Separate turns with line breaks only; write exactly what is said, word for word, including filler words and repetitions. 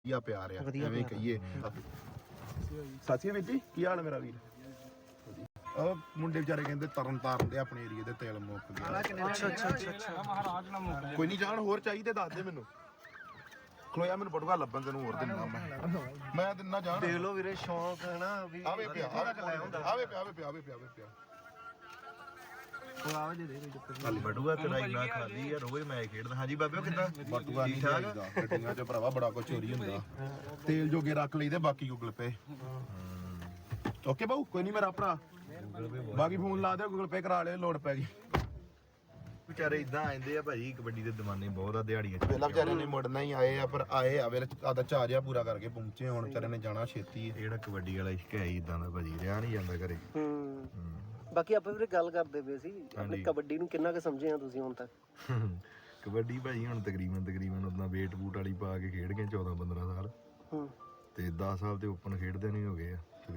ਵਧੀਆ ਪਿਆਰ ਆ ਐਵੇਂ ਕਹੀਏ। ਸਾਥੀ ਵੀਰ ਜੀ ਕੀ ਹਾਲ ਮੇਰਾ ਵੀਰ? ਉਹ ਮੁੰਡੇ ਵਿਚਾਰੇ ਕਹਿੰਦੇ ਤਰਨ ਤਾਰਨ ਦੇ ਆਪਣੇ ਏਰੀਏ ਦੇ ਤੇਲ ਮੁੱਕ ਗਿਆ।
ਅੱਛਾ ਅੱਛਾ ਅੱਛਾ ਮਹਾਰਾਜ ਨਾ ਮੁੱਕ
ਕੋਈ ਨਹੀਂ ਜਾਣ ਹੋਰ ਚਾਹੀਦੇ ਦੱਸ ਦੇ ਮੈਨੂੰ। ਖਲੋਇਆ ਮੈਨੂੰ ਬਟੂਆ ਲੱਭਣ ਤੈਨੂੰ ਹੋਰ ਦਿੰਦਾ ਮੈਂ ਮੈਂ ਦਿੰਦਾ ਜਾਣ।
ਦੇਖ ਲਓ ਵੀਰੇ ਸ਼ੌਂਕ ਹੈ ਨਾ ਵੀ
ਆਵੇ ਪਿਆ ਆਵੇ ਪਿਆ ਆਵੇ ਪਿਆ ਆਵੇ ਪਿਆ ਆਵੇ ਪਿਆ ਆਵੇ ਪਿਆ
ਉਹ ਆਵੇ ਦੇ ਦੇ ਚੱਕਰ ਬਟੂਆ ਤੇਰਾ ਇੰਨਾ ਖਾਲੀ ਆ ਰੋਜ਼ ਮੈਚ ਖੇਡਦਾ। ਹਾਂਜੀ ਬਾਬਿਓ ਕਿੱਦਾਂ
ਬਟੂਆ ਨਹੀਂ ਚਾਹੀਦਾ ਗੱਡੀਆਂ 'ਚ ਭਰਾਵਾ ਬੜਾ ਕੁਝ ਚੋਰੀ ਹੁੰਦਾ। ਤੇਲ ਜੋਗੇ ਰੱਖ ਲਈਦੇ ਬਾਕੀ ਗੂਗਲ ਪੇ। ਓਕੇ ਬਾਊ ਕੋਈ ਨਹੀਂ ਮੇਰਾ ਭਰਾ ਬਾਕੀ ਫੋਨ ਲਾ ਦਿਓ ਗੂਗਲ ਪੇ ਕਰਾ ਲਿਓ ਲੋੜ ਪੈ ਗਈ।
ਵਿਚਾਰੇ ਇਦਾਂ ਆਂਦੇ ਆ ਭਾਈ ਕਬੱਡੀ ਦੇ ਦਿਵਾਨੇ ਬਹੁਤ ਆ ਦਿਹਾੜੀਆਂ ਚ।
ਪਹਿਲਾਂ ਵਿਚਾਰੇ ਨੇ ਮੁੜਨਾ ਹੀ ਆਏ ਆ ਪਰ ਆਏ ਆ ਵੇਲੇ ਆਦਾ ਚਾਰਿਆ ਪੂਰਾ ਕਰਕੇ ਪਹੁੰਚੇ। ਹੁਣ ਵਿਚਾਰੇ ਨੇ ਜਾਣਾ ਛੇਤੀ।
ਇਹ ਜਿਹੜਾ ਕਬੱਡੀ ਵਾਲਾ ਇਸ਼ਕ ਹੈ ਇਦਾਂ ਦਾ ਭਾਜੀ ਰਿਆ ਨਹੀਂ ਜਾਂਦਾ ਘਰੇ।
ਹੂੰ ਬਾਕੀ ਆਪਾਂ ਵੀਰੇ ਗੱਲ ਕਰਦੇ ਪਏ ਸੀ ਆਪਣੀ ਕਬੱਡੀ ਨੂੰ ਕਿੰਨਾ ਕੁ ਸਮਝੇ ਆ ਤੁਸੀਂ ਹੁਣ ਤੱਕ?
ਕਬੱਡੀ ਭਾਜੀ ਹੁਣ ਤਕਰੀਬਨ ਤਕਰੀਬਨ ਉਦਾਂ ਵੇਟ ਬੂਟ ਵਾਲੀ ਪਾ ਕੇ ਖੇਡ ਗਏ ਚੌਦਾਂ ਪੰਦਰਾਂ ਸਾਲ।
ਹੂੰ
ਤੇ ਦਸ ਸਾਲ ਤੇ ਓਪਨ ਖੇਡਦੇ ਨਹੀਂ ਹੋ ਗਏ ਆ।